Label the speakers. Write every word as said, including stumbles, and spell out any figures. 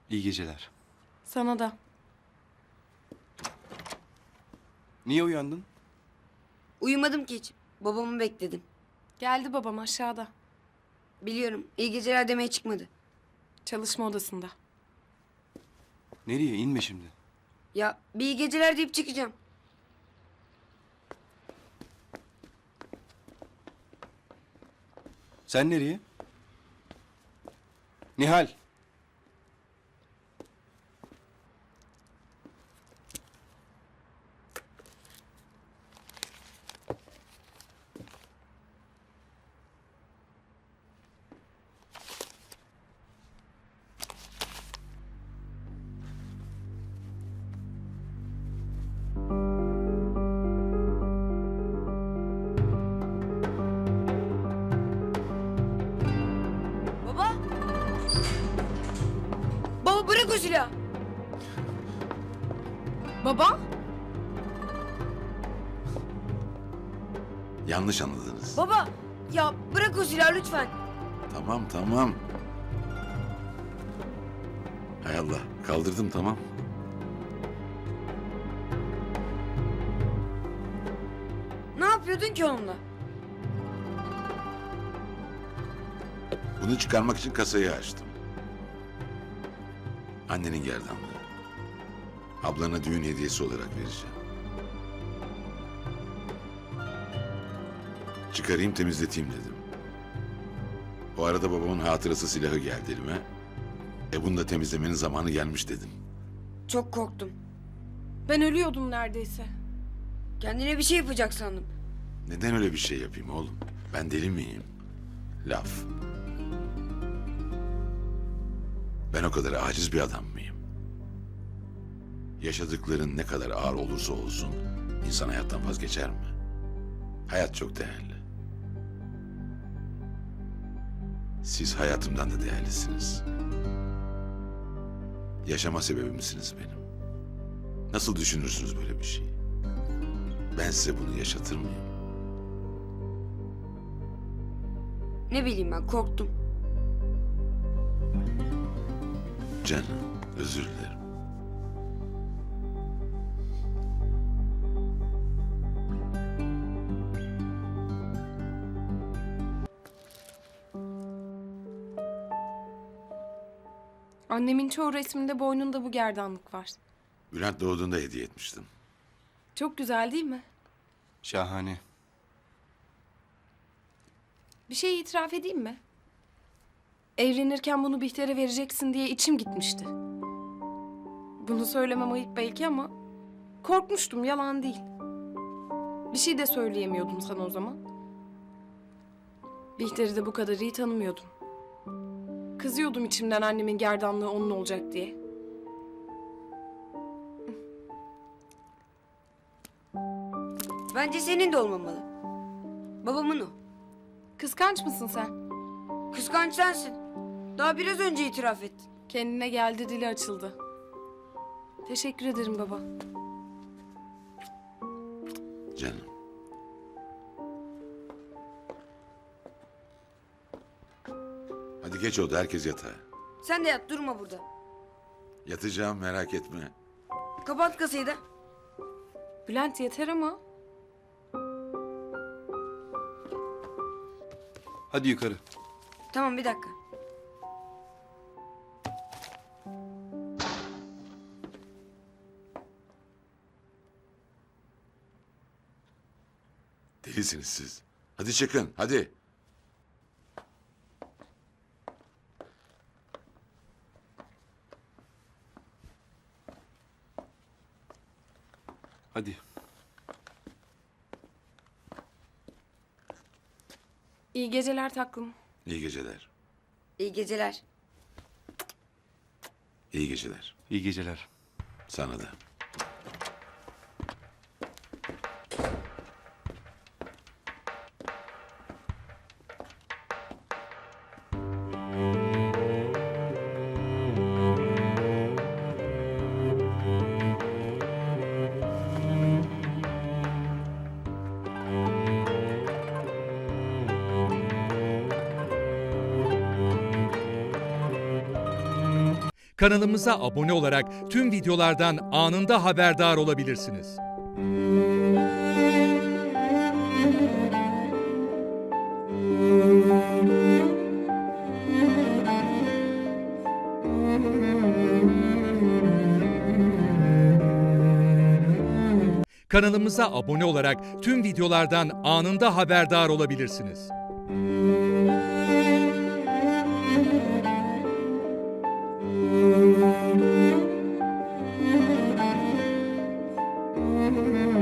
Speaker 1: İyi geceler.
Speaker 2: Sana da.
Speaker 1: Niye uyandın?
Speaker 3: Uyumadım ki hiç. Babamı bekledim.
Speaker 2: Geldi babam aşağıda.
Speaker 3: Biliyorum. İyi geceler demeye çıkmadı.
Speaker 2: Çalışma odasında.
Speaker 1: Nereye? İnme şimdi.
Speaker 3: Ya bir iyi geceler deyip çıkacağım.
Speaker 1: Sen nereye? Nihal.
Speaker 3: Baba! Baba bırak o silahı!
Speaker 2: Baba?
Speaker 4: Yanlış anladınız.
Speaker 3: Baba! Ya bırak o silahı lütfen.
Speaker 4: Tamam tamam. Hay Allah, kaldırdım tamam.
Speaker 3: Ne yapıyordun ki onunla?
Speaker 4: Bunu çıkarmak için kasayı açtım. Annenin gerdanlığı. Ablana düğün hediyesi olarak vereceğim. Çıkarayım temizleteyim dedim. O arada babamın hatırası silahı geldi elime. E bunu da temizlemenin zamanı gelmiş dedim.
Speaker 3: Çok korktum.
Speaker 2: Ben ölüyordum neredeyse.
Speaker 3: Kendine bir şey yapacak sandım.
Speaker 4: Neden öyle bir şey yapayım oğlum? Ben deli miyim? Laf. Ben o kadar aciz bir adam mıyım? Yaşadıkların ne kadar ağır olursa olsun insan hayattan vazgeçer mi? Hayat çok değerli. Siz hayatımdan da değerlisiniz. Yaşama sebebimsiniz benim. Nasıl düşünürsünüz böyle bir şeyi? Ben size bunu yaşatır mıyım?
Speaker 3: Ne bileyim ben korktum.
Speaker 4: Canım, özür dilerim.
Speaker 2: Annemin çoğu resminde boynunda bu gerdanlık var.
Speaker 4: Bülent doğduğunda hediye etmiştim.
Speaker 2: Çok güzel değil mi?
Speaker 1: Şahane.
Speaker 2: Bir şey itiraf edeyim mi? Evlenirken bunu Bihter'e vereceksin diye içim gitmişti. Bunu söylemem ayıp belki ama korkmuştum, yalan değil. Bir şey de söyleyemiyordum sana o zaman. Bihter'i de bu kadar iyi tanımıyordum. Kızıyordum içimden annemin gerdanlığı onun olacak diye.
Speaker 3: Bence senin de olmamalı. Babamın o.
Speaker 2: Kıskanç mısın sen?
Speaker 3: Kıskanç sensin. Daha biraz önce itiraf ettin.
Speaker 2: Kendine geldi, dili açıldı. Teşekkür ederim baba.
Speaker 4: Canım. Hadi geç oldu, herkes yatağa.
Speaker 3: Sen de yat durma burada.
Speaker 4: Yatacağım, merak etme.
Speaker 3: Kapat kasayı da.
Speaker 2: Bülent yeter ama.
Speaker 1: Hadi yukarı.
Speaker 3: Tamam bir dakika.
Speaker 4: Delisiniz siz. Hadi çıkın, hadi.
Speaker 1: Hadi.
Speaker 2: İyi geceler taklım.
Speaker 4: İyi geceler.
Speaker 3: İyi geceler.
Speaker 4: İyi geceler.
Speaker 1: İyi geceler.
Speaker 4: Sana da.
Speaker 5: Kanalımıza abone olarak tüm videolardan anında haberdar olabilirsiniz. Kanalımıza abone olarak tüm videolardan anında haberdar olabilirsiniz.
Speaker 2: Müzik